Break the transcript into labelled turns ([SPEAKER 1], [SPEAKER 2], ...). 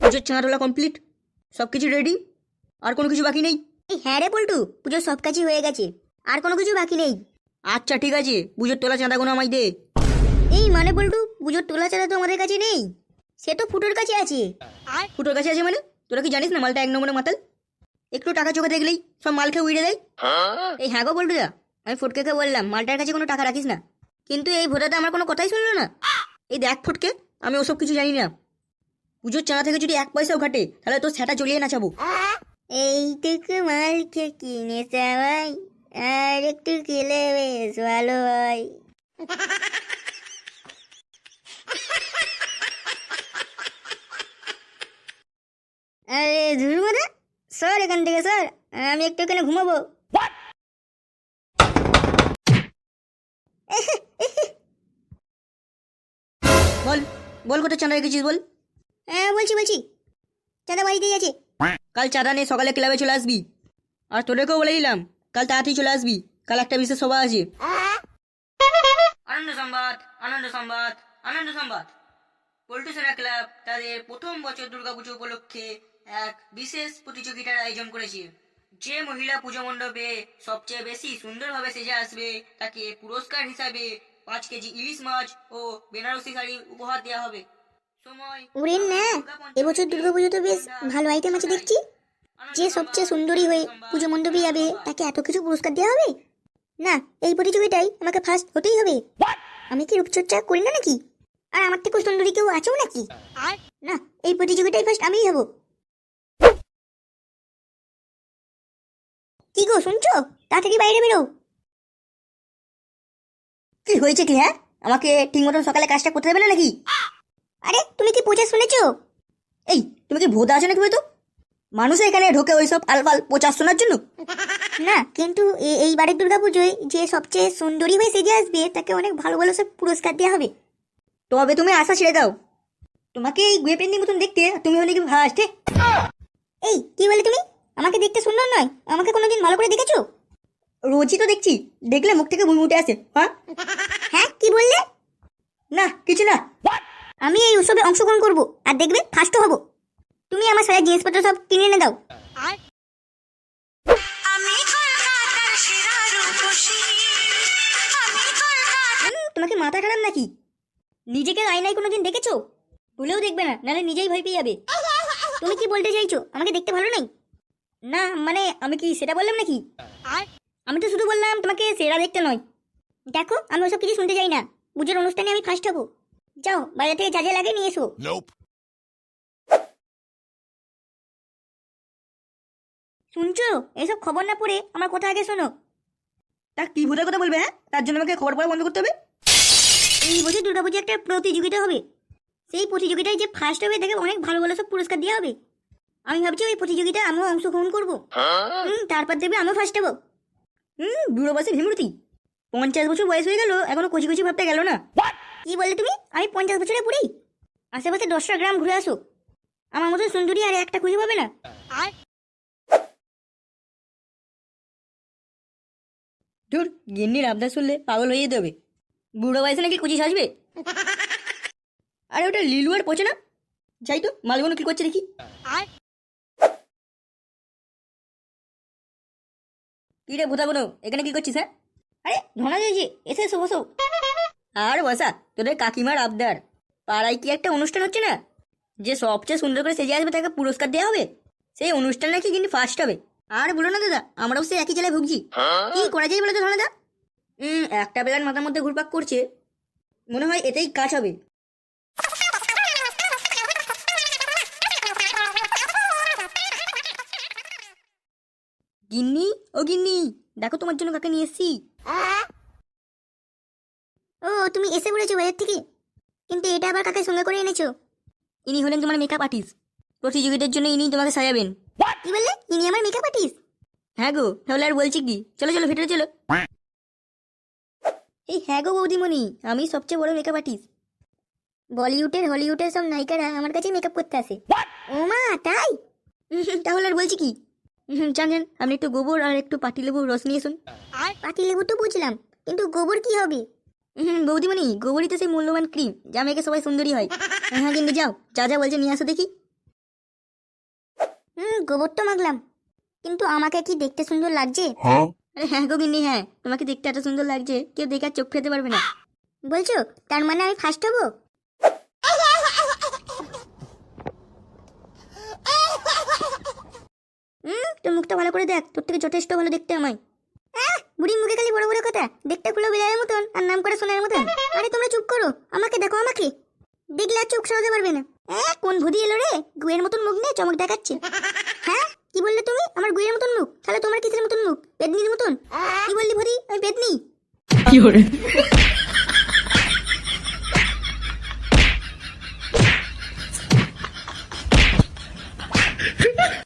[SPEAKER 1] পুজোর চাঁদাটোলা কমপ্লিট, সব কিছু রেডি, আর কোনো কিছু বাকি নেই?
[SPEAKER 2] হ্যাঁ রে পল্টু, পুজোর সব কাজই হয়ে গেছে, আর কোনো কিছু বাকি নেই।
[SPEAKER 1] আচ্ছা ঠিক আছে, পুজোর তোলা চাঁদাগুলো আমায় দে।
[SPEAKER 2] এই মানে পল্টু, পুজোর তোলা চাঁদা তো আমাদের কাছে নেই, সে তো ফুটোর কাছে আছে।
[SPEAKER 1] ফুটোর কাছে আছে মানে? তোরা কি জানিস না মালটা এক নম্বরে মাতাল? একটু টাকা চোখে দেখলেই সব মাল খেয়ে উড়ে দেয়। এই হ্যাঁ গো বলটুদা, আমি ফুটকে বললাম মালটার কাছে কোনো টাকা রাখিস না, কিন্তু এই ভোটাতে আমার কোনো কথাই শুনলো না। এই দেখ ফুটকে, আমি ওসব কিছু জানি না। পুজোর চাঁদা থেকে যদি 1 পয়সাও ঘাটে তাহলে তোর সেটা জ্বলিয়ে নাচাবো।
[SPEAKER 2] এইটুকু মাল কিনে সবাই, আর একটু খেলে বেশ ভালো হয়। আরে ধুরমাদা, স্যার এখান থেকে স্যার, আমি একটু এখানে ঘুমাবো।
[SPEAKER 1] বল বল, কোথায় চাঁদা রেখেছিস বল।
[SPEAKER 2] হ্যাঁ বলছি, চাঁদা বাড়িতেই আছে।
[SPEAKER 1] কাল চাঁদা নিয়ে সকালে ক্লাবে চলে আসবি, আর তোদেরকেও বলে দিলাম কাল তাড়াতাড়ি চলে আসবি, কাল একটা বিশেষ সভা আছে। আনন্দ সংবাদ, আনন্দ সংবাদ, আনন্দ সংবাদ। পল্টু সেনা ক্লাব তাদের প্রথম বছর দুর্গাপুজো উপলক্ষে এক বিশেষ প্রতিযোগিতার আয়োজন করেছে। যে মহিলা পুজো মণ্ডপে সবচেয়ে বেশি সুন্দরভাবে সেজে আসবে তাকে পুরস্কার হিসাবে 5 কেজি ইলিশ মাছ ও বেনারসি শাড়ি উপহার দেওয়া হবে। সময়
[SPEAKER 2] ওরে না, এবছর দুর্গাপুজো তো বেশ ভালো আইটেম আছে দেখছি। যে সবচেয়ে সুন্দরী হয়ে পুজো মণ্ডপে যাবে তাকে এত কিছু পুরস্কার দেওয়া হবে? না, এই প্রতিযোগিতায় আমাকে ফার্স্ট হতেই হবে। আমি কি রূপচর্চা করি না নাকি? আর আমার থেকে সুন্দরী কেউ আছেও নাকি? না, এই প্রতিযোগিতায় ফার্স্ট আমিই হব। কি গো শুনছো? তাড়াতাড়ি বাইরে বেরো।
[SPEAKER 1] কি হয়েছে কি? হ্যাঁ, আমাকে ঠিক মতন সকালে কাজটা করতে দেবে না নাকি?
[SPEAKER 2] আরে তুমি কি পচা শুনেছো?
[SPEAKER 1] এই তুমি কি ভোদা আছো নাকি বলতো? মানুষ এখানে ঢোকে ওইসব আলফাল প্রচার শোনার জন্য?
[SPEAKER 2] না, কিন্তু এইবারের দুর্গাপুজোয় যে সবচেয়ে সুন্দরী হয়ে সেজে আসবে তাকে অনেক ভালো ভালো সব পুরস্কার দেওয়া হবে।
[SPEAKER 1] তবে তুমি আশা ছেড়ে দাও, তোমাকে এই গুয়ে পেন্ডিং মতন দেখতে তুমি হলে কি ফার্স্ট?
[SPEAKER 2] এই কি বলে তুমি? আমাকে দেখতে সুন্দর নয়, আমাকে কোনোদিন ভালো করে দেখেছো?
[SPEAKER 1] রোজই তো দেখছি, দেখলে মুখ থেকে ভুঁই উঠে আসে। হ্যাঁ
[SPEAKER 2] হ্যাঁ, কি বললে?
[SPEAKER 1] না কিছু না।
[SPEAKER 2] আমি এই উৎসবে অংশগ্রহণ করব, আর দেখবে ফার্স্ট হব। তুমি আমার সারা জিনিসপত্র সব কিনে এনে দাও।
[SPEAKER 1] তোমাকে মাথা খারাপ নাকি? নিজেকে আয়নায় কোনোদিন দেখেছো? ভুলেও দেখবে না, নাহলে নিজেই ভয় পেয়ে যাবে।
[SPEAKER 2] তুমি কি বলতে চাইছো? আমাকে দেখতে ভালো নাই?
[SPEAKER 1] না মানে আমি কি সেটা বললাম নাকি? আমি তো শুধু বললাম তোমাকে সেরা দেখতে নয়।
[SPEAKER 2] দেখো, আমি ওসব কিছু শুনতে চাই না। পুজোর অনুষ্ঠানে আমি ফার্স্ট হব। যাও, বাইরে থেকে যা যা লাগে নিয়ে এসো। শুনছো? এসব খবর না পড়ে আমার কথা আগে শোনো।
[SPEAKER 1] তা কি ভূতের কথা বলবে? হ্যাঁ, তার জন্য আমাকে খবর পড়া বন্ধ করতে হবে?
[SPEAKER 2] এই বছর দুর্গাপুজো একটা প্রতিযোগিতা হবে, সেই প্রতিযোগিতায় যে ফার্স্ট হবে তাকে অনেক ভালো ভালো সব পুরস্কার দেওয়া হবে। আমি ভাবছি ওই প্রতিযোগিতায় আমিও অংশগ্রহণ করবো। তারপর দেবে আমিও ফার্স্ট হবো।
[SPEAKER 1] বুড়ো বয়সে ভীমরতি, 50 বছর বয়স হয়ে গেল এখনো কচি কচি ভাবতে গেল না।
[SPEAKER 2] কি বললে তুমি? আমি 50 বছরে পুরি? আশেপাশে 10টা গ্রাম ঘুরে আসো, আমার মতো সুন্দরী আর একটা খুঁজে পাবে না।
[SPEAKER 1] ধুর, গিন্নির আবদার শুনলে পাগল হয়ে যেতে হবে। বুড়ো বয়সে নাকি কুচি সাজবে? আরে ওটা লিলু আর পচে না। যাই তো মালগুলো কি করছে দেখি। কি রে ভূতা বোনো, এখানে কি করছিস? হ্যাঁ, আরে ধনা যাইছি, এসে এসো বসো। আর বসা, তোদের কাকিমার আবদার। পাড়ায় কি একটা অনুষ্ঠান হচ্ছে না, যে সবচেয়ে সুন্দর করে সেজে আসবে তাকে পুরস্কার দেওয়া হবে। সেই অনুষ্ঠান নাকি কিন্তু ফার্স্ট হবে। আর বলো না দাদা, আমরাও সেই একই জেলায় ভুগছি। কি করা যায় বলো তো ধনাদা? একটা বেলার মাথার মধ্যে ঘুরপাক করছে, মনে হয় এতেই কাজ হবে। গিন্নি, ও গিন্নি, দেখো তোমার জন্য কাকে নিয়ে এসেছি।
[SPEAKER 2] ও, তুমি এসে পড়েছো বাইরের থেকে? কিন্তু এটা আবার কাকে সঙ্গে করে এনেছো?
[SPEAKER 1] ইনি হলেন তোমার মেকআপ আর্টিস্ট, প্রতিযোগিতার জন্য ইনি তোমাকে সাজাবেন।
[SPEAKER 2] কি বললে? ইনি আমার মেকআপ আর্টিস্ট?
[SPEAKER 1] হ্যাঁ গো, তাহলে আর বলছি কি, চলো চলো ভেতরে চলো। এই হ্যাঁ গো বৌদিমণি, আমি সবচেয়ে বড় মেকআপ আর্টিস্ট।
[SPEAKER 2] বলিউডের হলিউডের সব নায়িকারা আমার কাছে মেকআপ করতে আসে। ও মা, তাই?
[SPEAKER 1] তাহলে আর বলছি কি, জানেন আপনি একটু গোবর আর একটু পাতিলেবুর রস নিয়ে এসুন।
[SPEAKER 2] পাতিলেবু তো বুঝলাম, কিন্তু গোবর কি হবে?
[SPEAKER 1] বৌদিমণি, গোবরই তো সেই মূল্যবান ক্রিম যা মেয়েকে সবাই সুন্দরী হয়। হ্যাঁ কিন্তু যাও, যা যা বলছে নিয়ে আসো দেখি।
[SPEAKER 2] গোবর তো মাগলাম, কিন্তু আমাকে কি দেখতে সুন্দর লাগছে?
[SPEAKER 1] আরে হ্যাঁ গো গিন্নি, হ্যাঁ তোমাকে দেখতে এত সুন্দর লাগছে কেউ দেখে আর চোখ ফেলতে পারবে না।
[SPEAKER 2] বলছো তার মানে আমি ফার্স্ট হবো? তোর মুখটা ভালো করে দেখ, তোর থেকে যথেষ্ট ভালো দেখতে আমায়। বুড়ির মুখে খালি বড় বড় কথা, দেখতে খুলো বিড়ালের মতন আর নাম করে সোনার মতন। আরে তোমরা চুপ করো, আমাকে দেখো, আমাকে দেখলে আর চোখ সরাতে পারবে না। কোন ভুদি এলো রে, গুয়ের মতন মুখ নিয়ে চমক দেখাচ্ছে। হ্যাঁ কি বললে তুমি? আমার গুয়ের মতন মুখ? তাহলে তোমার কিসের মতন মুখ? পেদনির মতন? কি বললি ভুদি? আমি পেদনি?